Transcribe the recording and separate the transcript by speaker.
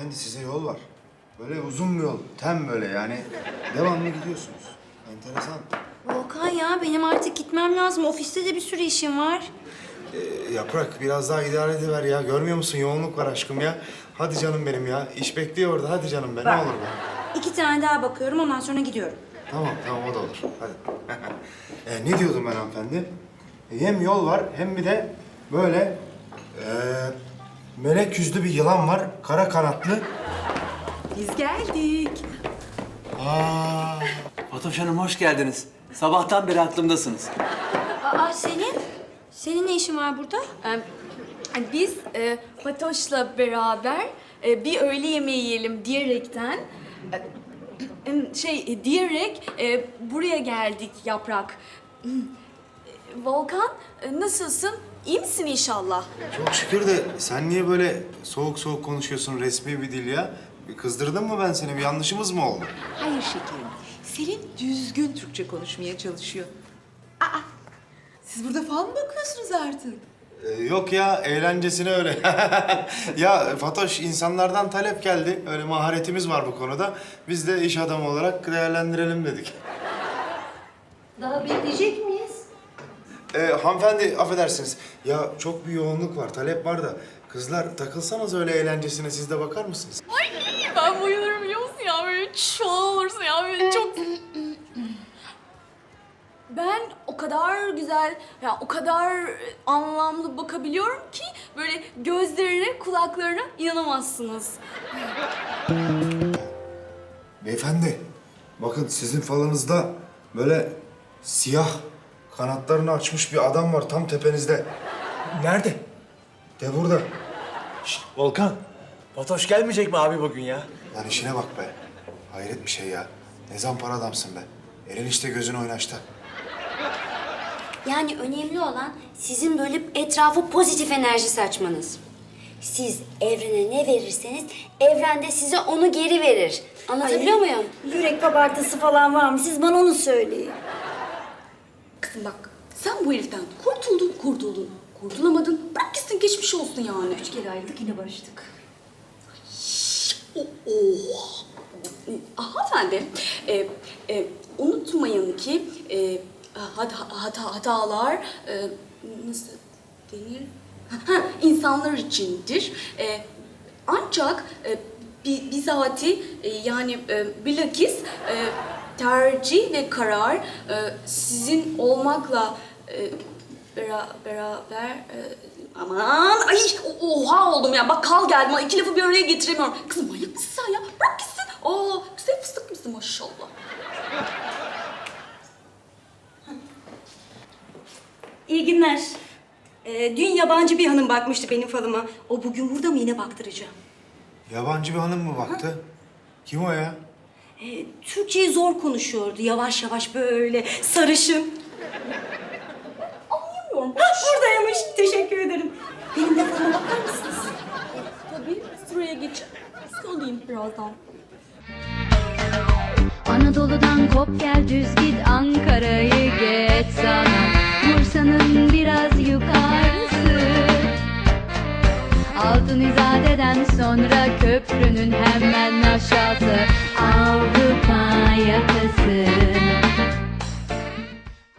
Speaker 1: Hanımefendi size yol var. Böyle uzun bir yol. Tem böyle yani. Devamlı gidiyorsunuz. Enteresan.
Speaker 2: Volkan ya benim artık gitmem lazım. Ofiste de bir sürü işim var.
Speaker 1: Yaprak biraz daha idare ediver ya. Görmüyor musun? Yoğunluk var aşkım ya. Hadi canım benim ya. İş bekliyor orada. Hadi canım be. Ne olur be.
Speaker 2: 2 tane daha bakıyorum ondan sonra gidiyorum.
Speaker 1: Tamam o da olur. Hadi. Ne diyordum ben hanımefendi? Hem yol var hem bir de böyle melek yüzlü bir yılan var. Kara kanatlı.
Speaker 3: Biz geldik.
Speaker 1: Aa,
Speaker 4: Fatoş Hanım hoş geldiniz. Sabahtan beri aklımdasınız.
Speaker 2: Aa Senin? Senin ne işin var burada?
Speaker 3: Biz Fatoş'la beraber bir öğle yemeği yiyelim diyerekten diyerek buraya geldik Yaprak. Volkan nasılsın? İyi misin inşallah?
Speaker 1: çok şükür de sen niye böyle soğuk soğuk konuşuyorsun resmi bir dil ya? Bir kızdırdın mı ben seni? Bir yanlışımız mı oldu?
Speaker 5: Hayır şekerim. Selin düzgün Türkçe konuşmaya çalışıyor. Aa, siz burada falan mı bakıyorsunuz artık?
Speaker 1: Yok ya, eğlencesine öyle. Ya Fatoş, insanlardan talep geldi. Öyle maharetimiz var bu konuda. Biz de iş adamı olarak değerlendirelim dedik.
Speaker 2: Daha bekleyecek miyiz?
Speaker 1: Hanımefendi, affedersiniz. Ya çok bir yoğunluk var, talep var da. Kızlar takılsanız öyle eğlencesine, siz de bakar mısınız?
Speaker 3: Ben bayılırım biliyor musun ya? Böyle çoğal olursun ya. Böyle çok... Ben o kadar güzel, ya o kadar anlamlı bakabiliyorum ki böyle gözlerine, kulaklarına inanamazsınız.
Speaker 1: Beyefendi, bakın sizin falınızda böyle siyah kanatlarını açmış bir adam var tam tepenizde.
Speaker 4: Nerede?
Speaker 1: De burada.
Speaker 4: Volkan. Fatoş gelmeyecek mi abi bugün ya?
Speaker 1: Lan işine bak be. Hayret bir şey ya. Ne zampara adamsın be. Elin işte gözün oynaşta.
Speaker 2: Yani önemli olan sizin böyle etrafa pozitif enerji saçmanız. Siz evrene ne verirseniz evren de size onu geri verir. Anlatabiliyor muyum?
Speaker 6: Yürek kabartısı falan var mı? Siz bana onu söyleyin.
Speaker 3: Kızım bak, sen bu heriften kurtuldun. Kurtulamadın, bırak gitsin geçmiş olsun yani.
Speaker 6: 3 kere ayrıldık yine barıştık.
Speaker 3: Oha! Hanımefendi, unutmayın ki hatalar nasıl denir? İnsanlar içindir. Ancak bizatihi yani bilakis tercih ve karar sizin olmakla beraber aman ay oha oldum ya bak kal geldim 2 lafı bir araya getiremiyorum. Kızım manyak mısın sen ya? Bırak gitsin. Aa güzel fıstık mısın maşallah.
Speaker 6: İyi günler. Dün yabancı bir hanım bakmıştı benim falıma. O bugün burada mı yine baktıracağım.
Speaker 1: Yabancı bir hanım mı baktı? Kim o ya?
Speaker 6: Türkçeyi zor konuşuyordu. Yavaş yavaş böyle sarışın.
Speaker 3: Anlayamıyorum.
Speaker 6: Buradaymış. Teşekkür ederim. Benim de falıma bakar mısınız?
Speaker 3: Tabii sıraya geç. Söyleyeyim birazdan.
Speaker 7: Anadolu'dan kop gel düz git Ankara'yı geç sana Bursa'nın biraz yukarısı Altın İzade'den sonra köprünün hemen aşağısı Avrupa yakası